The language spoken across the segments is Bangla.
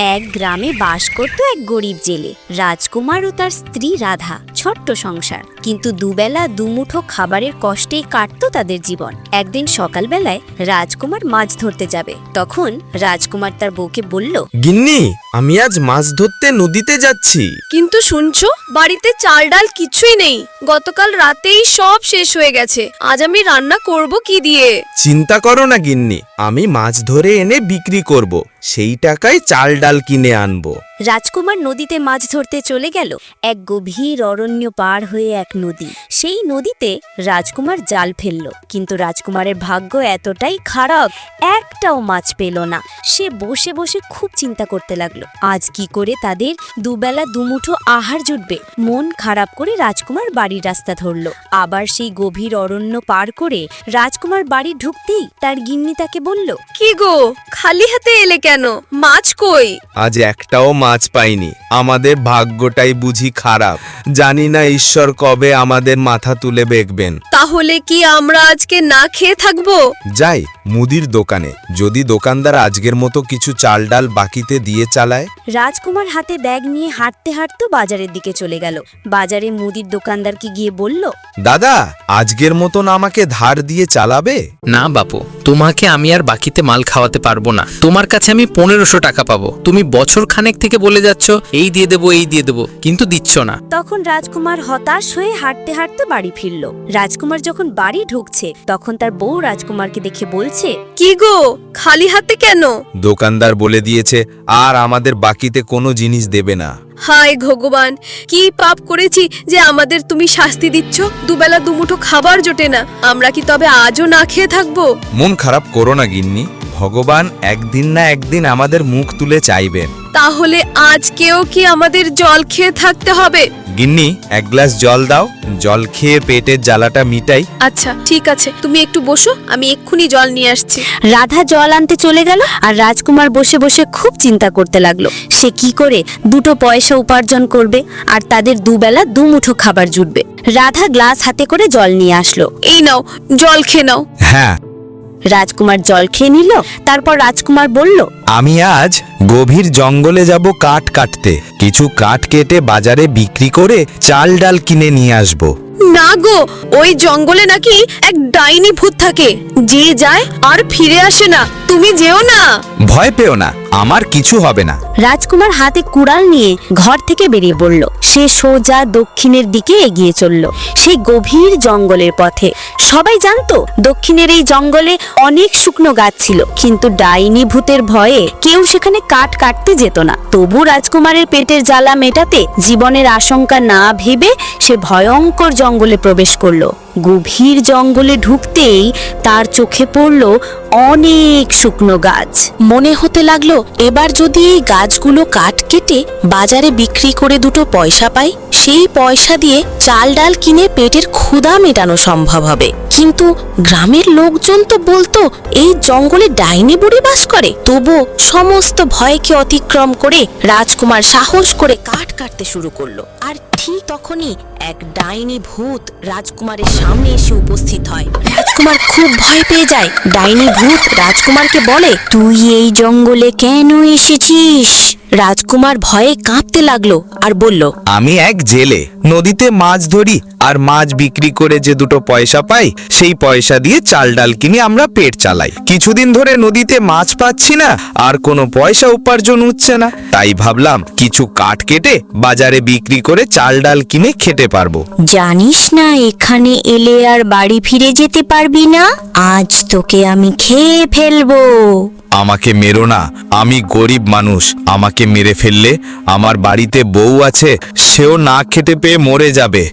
এক গ্রামে বাস করত এক গরিব জেলে। রাজকুমার ও তার স্ত্রী রাধা। ছোট্ট সংসার, কিন্তু দুবেলা দুমুঠো খাবারের কষ্টেই কাটতো তাদের জীবন। একদিন সকালবেলায় রাজকুমার মাছ ধরতে যাবে। তখন রাজকুমার তার বউকে বলল, গিন্নি, আমি আজ মাছ ধরতে নদীতে যাচ্ছি। কিন্তু শুনছো, বাড়িতে চাল ডাল কিছুই নেই। গতকাল রাতেই সব শেষ হয়ে গেছে। আজ আমি রান্না করব কি দিয়ে? চিন্তা করো না গিন্নি, আমি মাছ ধরে এনে বিক্রি করব, সেই টাকায় চাল ডাল কিনে আনবো। রাজকুমার নদীতে মাছ ধরতে চলে গেল। এক গভীর অরণ্য পার হয়ে এক নদী। সেই নদীতে রাজকুমার জাল ফেলল, কিন্তু রাজকুমারের ভাগ্য এতটাই খারাপ, একটাও মাছ পেল না। সে বসে বসে খুব চিন্তা করতে লাগলো, আজ কি করে তাদের দুবেলা দুমুঠো আহার জুটবে। মন খারাপ করে রাজকুমার বাড়ির রাস্তা ধরল। আবার সেই গভীর অরণ্য পার করে রাজকুমার বাড়ি ঢুকতেই তার গিন্নি তাকে বলল, কি গো, খালি হাতে এলে কেন? মাছ কই? আজ একটাও মাছ পাইনি। আমাদের ভাগ্যটাই বুঝি খারাপ। জানি না ঈশ্বর কবে আমাদের মাথা তুলে দেখবেন। তাহলে কি আমরা আজকে না খেয়ে থাকবো? যাই মুদির দোকানে, যদি দোকানদার আজকের মতো কিছু চাল ডাল বাকিতে দিয়ে চালায়। রাজকুমার হাতে ব্যাগ নিয়ে হাঁটতে হাঁটতে বাজারের দিকে চলে গেল। বাজারে মুদির দোকানদারকে গিয়ে বলল, দাদা, আজকের মতন আমাকে ধার দিয়ে চালাবে? না বাপু, তোমাকে আমি আর বাকিতে মাল খাওয়াতে পারবো না। তোমার কাছে আমি 1500 টাকা পাবো। তুমি বছর খানেক থেকে বলে যাচ্ছ এই দিয়ে দেবো এই দিয়ে দেবো, কিন্তু দিচ্ছ না। তখন রাজকুমার হতাশ হয়ে হাঁটতে হাঁটতে বাড়ি ফিরল। রাজকুমার যখন বাড়ি ঢুকছে, তখন তার বউ রাজকুমারকে দেখে বলছে, কি গো, খালি হাতে কেন? দোকানদার বলে দিয়েছে আর আমাদের বাকিতে কোনো জিনিস দেবে না। হায় ভগবান, কি পাপ করেছি যে আমাদের তুমি শাস্তি দিচ্ছ? দুবেলা দুমুঠো খাবার জোটে না, আমরা কি তবে আজও না খেয়ে থাকবো? মন খারাপ করো না গিন্নি, ভগবান একদিন না একদিন আমাদের মুখ তুলে চাইবেন। তাহলে আজকেও কি আমাদের জল খেয়ে থাকতে হবে? গিন্নি, এক গ্লাস জল দাও, জল খেয়ে পেটের জ্বালাটা মিটাই। আচ্ছা ঠিক আছে, তুমি একটু বসো, আমি এক্ষুনি জল নিয়ে আসছি। রাধা জল আনতে চলে গেল। আর রাজকুমার বসে বসে খুব চিন্তা করতে লাগলো, সে কি করে দুটো পয়সা উপার্জন করবে আর তাদের দুবেলা দুমুঠো খাবার জুটবে। রাধা গ্লাস হাতে করে জল নিয়ে আসলো। এই নাও, জল খেয়ে নাও। হ্যাঁ, রাজকুমার জল খেয়ে নিল। তারপর রাজকুমার বলল, আমি আজ গভীর জঙ্গলে যাব কাঠ কাটতে। কিছু কাঠ কেটে বাজারে বিক্রি করে চাল ডাল কিনে নিয়ে আসব। না গো, ওই জঙ্গলে নাকি এক ডাইনি ভূত থাকে, যে যায় আর ফিরে আসে না। তুমি যেও না। ভয় পেও না, আমার কিছু হবে না। রাজকুমার হাতে কুড়াল নিয়ে ঘর থেকে বেরিয়ে পড়ল। সে সোজা দক্ষিণের দিকে এগিয়ে চলল, সেই গভীর জঙ্গলের পথে। সবাই জানতো দক্ষিণের এই জঙ্গলে অনেক শুকনো গাছ ছিল, কিন্তু ডাইনি ভূতের ভয়ে কেউ সেখানে কাঠ কাটতে যেত না। তবু রাজকুমারের পেটের জ্বালা মেটাতে জীবনের আশঙ্কা না ভেবে সে ভয়ঙ্কর জঙ্গলে প্রবেশ করলো। গভীর জঙ্গলে ঢুকতেই তার চোখে পড়ল অনেক শুকনো গাছ। মনে হতে লাগলো, এবার যদি এই গাছগুলো কাঠ কেটে বাজারে বিক্রি করে দুটো পয়সা পাই, সেই পয়সা দিয়ে চাল ডাল কিনে পেটের ক্ষুধা মেটানো সম্ভব হবে। কিন্তু গ্রামের লোকজন তো বলতো এই জঙ্গলে ডাইনি বুড়ি বাস করে। তবু সমস্ত ভয়কে অতিক্রম করে রাজকুমার সাহস করে কাঠ কাটতে শুরু করলো। আর ঠিক তখনই এক ডাইনি ভূত রাজকুমারের সামনে এসে উপস্থিত হয়। রাজকুমার খুব ভয় পেয়ে যায়। ডাইনি ভূত রাজকুমারকে বলে, তুই এই জঙ্গলে কেন এসেছিস? রাজকুমার ভয়ে কাঁপতে লাগলো আর বলল, আমি এক জেলে, নদীতে মাছ ধরি আর মাছ বিক্রি করে যে দুটো পয়সা পাই, সেই পয়সা দিয়ে চাল ডাল কিনে আমরা পেট চালাই। কিছুদিন ধরে নদীতে মাছ পাচ্ছি না আর কোনো পয়সা উপার্জন হচ্ছে না, তাই ভাবলাম কিছু কাঠ কেটে বাজারে বিক্রি করে চাল ডাল কিনে খেতে পারবো। জানিস না এখানে এলে আর বাড়ি ফিরে যেতে পারবি না? আজ তোকে আমি খেয়ে ফেলবো। আমাকে মেরো না, আমি গরিব মানুষ। আমাকে মেরে ফেললে আমার বাড়িতে বউ আছে, সেও না খেতে পেয়ে মরে যাবে।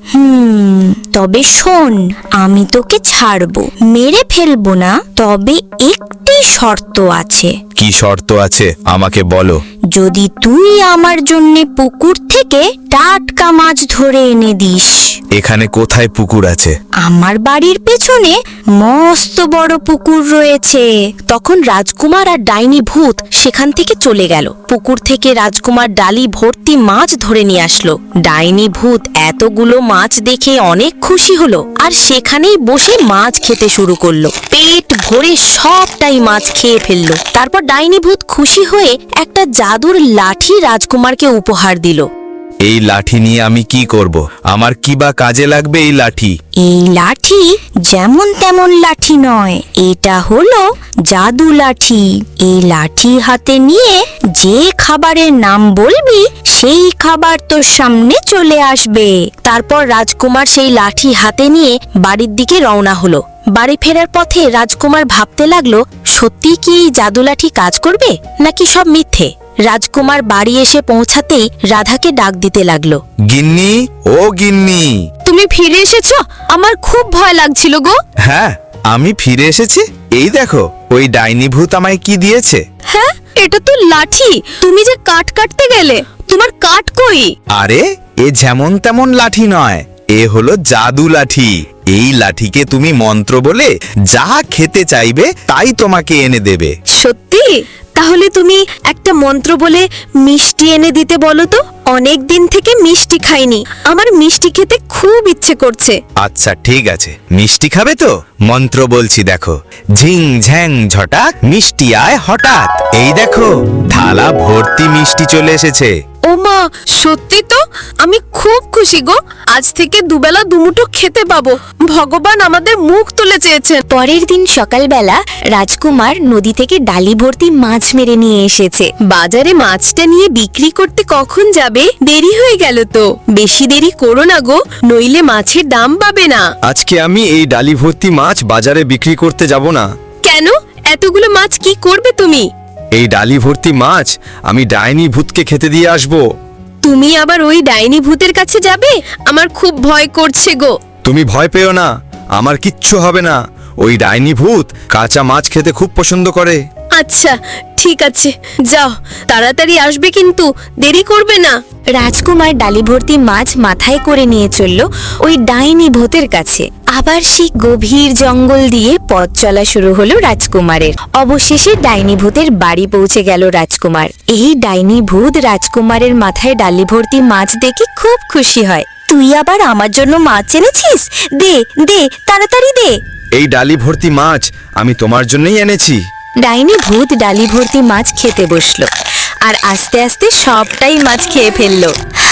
তবে শোন, আমি তোকে ছাড়বো, মেরে ফেলবো না, তবে একটি শর্ত আছে। কি শর্ত আছে আমাকে বলো। যদি তুই আমার জন্য পুকুর থেকে টাটকা মাছ ধরে এনে দিস। এখানে কোথায় পুকুর আছে? আমার বাড়ির পেছনে মস্ত বড় পুকুর রয়েছে। তখন রাজকুমার আর ডাইনি ভূত সেখান থেকে চলে গেল। পুকুর থেকে রাজকুমার ডালি ভর্তি মাছ ধরে নিয়ে আসলো। ডাইনি ভূত এতগুলো মাছ দেখে অনেক খুশি হলো আর সেখানেই বসে মাছ খেতে শুরু করলো। পেট ভরে সবটাই মাছ খেয়ে ফেললো। তারপর ডাইনি ভূত খুশি হয়ে একটা জাদু জাদুর লাঠি রাজকুমারকে উপহার দিল। এই লাঠি নিয়ে আমি কি করব? আমার কি বা কাজে লাগবে এই লাঠি? এই লাঠি যেমন তেমন লাঠি নয়, এটা হলো জাদু লাঠি। এই লাঠি হাতে নিয়ে যে খাবারের নাম বলবি সেই খাবার তোর সামনে চলে আসবে। তারপর রাজকুমার সেই লাঠি হাতে নিয়ে বাড়ির দিকে রওনা হলো। বাড়ি ফেরার পথে রাজকুমার ভাবতে লাগলো, সত্যি কি এই জাদু লাঠি কাজ করবে নাকি সব মিথ্যে। রাজকুমার বাড়ি এসে পৌঁছাতেই রাধাকে ডাক দিতে লাগলো। গিন্নি, ও গিন্নি। তুমি ফিরে এসেছো? আমার খুব ভয় লাগছিল গো। হ্যাঁ, আমি ফিরে এসেছি। এই দেখো, ওই ডাইনি ভূত আমায় কি দিয়েছে। হ্যাঁ, এটা তো লাঠি। তুমি যে কাঠ কাটতে গেলে, তোমার কাঠ কই? আরে, এ যেমন তেমন লাঠি নয়, এ হলো জাদু লাঠি। এই লাঠিকে তুমি মন্ত্র বলে যা খেতে চাইবে তাই তোমাকে এনে দেবে। সত্যি? তাহলে তুমি একটা মন্ত্র বলে মিষ্টি এনে দিতে বলো তো। অনেক দিন থেকে মিষ্টি খাইনি, আমার মিষ্টি খেতে খুব ইচ্ছে করছে। আচ্ছা ঠিক আছে, মিষ্টি খাবে তো? মন্ত্র বলছি, দেখো। ঝিং ঝ্যাং ঝটাক, মিষ্টি আয় হঠাৎ। এই দেখো, থালা ভর্তি মিষ্টি চলে এসেছে। ও মা, সত্যি তো? আমি খুব খুশি গো। আজ থেকে দুবেলা দুমুঠো খেতে পাবো। ভগবান আমাদের মুখ তুলে চেয়েছেন। পরের দিন সকালবেলা রাজকুমার নদী থেকে ডালি ভর্তি মাছ মেরে নিয়ে এসেছে। বাজারে মাছটা নিয়ে বিক্রি করতে কখন যাবে? দেরি হয়ে গেল তো। বেশি দেরি করো না গো, নইলে মাছের দাম পাবে না। আজকে আমি এই ডালি ভর্তি মাছ বাজারে বিক্রি করতে যাব না। কেন? এতগুলো মাছ কি করবে তুমি? এই ডালি ভর্তি মাছ আমি ডাইনি ভূতকে খেতে দিয়ে আসব। তুমি আবার ওই ডাইনি ভূতের কাছে যাবে? আমার খুব ভয় করছে গো। তুমি ভয় পেও না, আমার কিচ্ছু হবে না। ওই ডাইনি ভূত কাঁচা মাছ খেতে খুব পছন্দ করে। আচ্ছা ঠিক আছে, যাও, তাড়াতাড়ি আসবে কিন্তু, দেরি করবে না। রাজকুমার ডালি ভর্তি মাছ মাথায় করে নিয়ে চলল ওই ডাইনি ভূতের কাছে। আবার সেই গভীর জঙ্গল দিয়ে পথ চলা শুরু হলো রাজকুমারের। অবশেষে ডাইনি ভূতের বাড়ি পৌঁছে গেল রাজকুমার। এই ডাইনি ভূত রাজকুমারের মাথায় ডালি ভর্তি মাছ দেখে খুব খুশি হয়। তুই আবার আমার জন্য মাছ এনেছিস? দে দে, তাড়াতাড়ি দে। এই ডালি ভর্তি মাছ আমি তোমার জন্যই এনেছি। ডাইনি ভূত ডালি ভর্তি মাছ খেতে বসলো আর আস্তে আস্তে সবটাই মাছ খেয়ে ফেললো।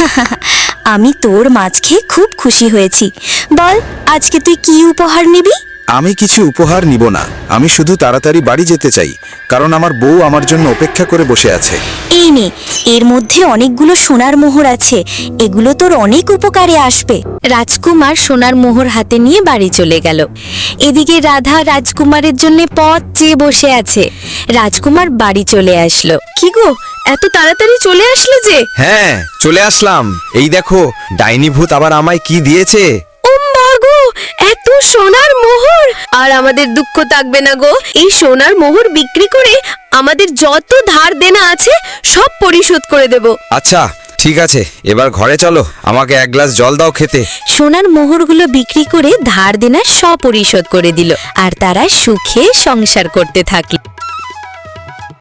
আমি তোর মাছ খেয়ে খুব খুশি হয়েছি। বল, আজকে তুই কি উপহার নিবি? আমি কিছু উপহার নিব না, আমি শুধু তাড়াতাড়ি বাড়ি যেতে চাই, কারণ আমার বউ আমার জন্য অপেক্ষা করে বসে আছে। এই নে, এর মধ্যে অনেকগুলো সোনার মোহর আছে, এগুলো তোর অনেক উপকারে আসবে। রাজকুমার সোনার মোহর হাতে নিয়ে বাড়ি চলে গেল। এদিকে রাধা রাজকুমারের জন্য পথ চেয়ে বসে আছে। রাজকুমার বাড়ি চলে আসলো। কি গো, এত তাড়াতাড়ি চলে আসলে যে? হ্যাঁ, চলে আসলাম। এই দেখো, ডাইনি ভূত আবার আমায় কি দিয়েছে। ও মা গো, এত সোনার মোহর! আর আমাদের দুঃখ থাকবে না গো। এই সোনার মোহর বিক্রি করে আমাদের যত ধার দেনা আছে সব পরিশোধ করে দেব। আচ্ছা ঠিক আছে, এবার ঘরে চলো, আমাকে এক গ্লাস জল দাও খেতে। সোনার মোহরগুলো বিক্রি করে ধার দেনা সব পরিশোধ করে দিল আর তারা সুখে সংসার করতে থাকলো।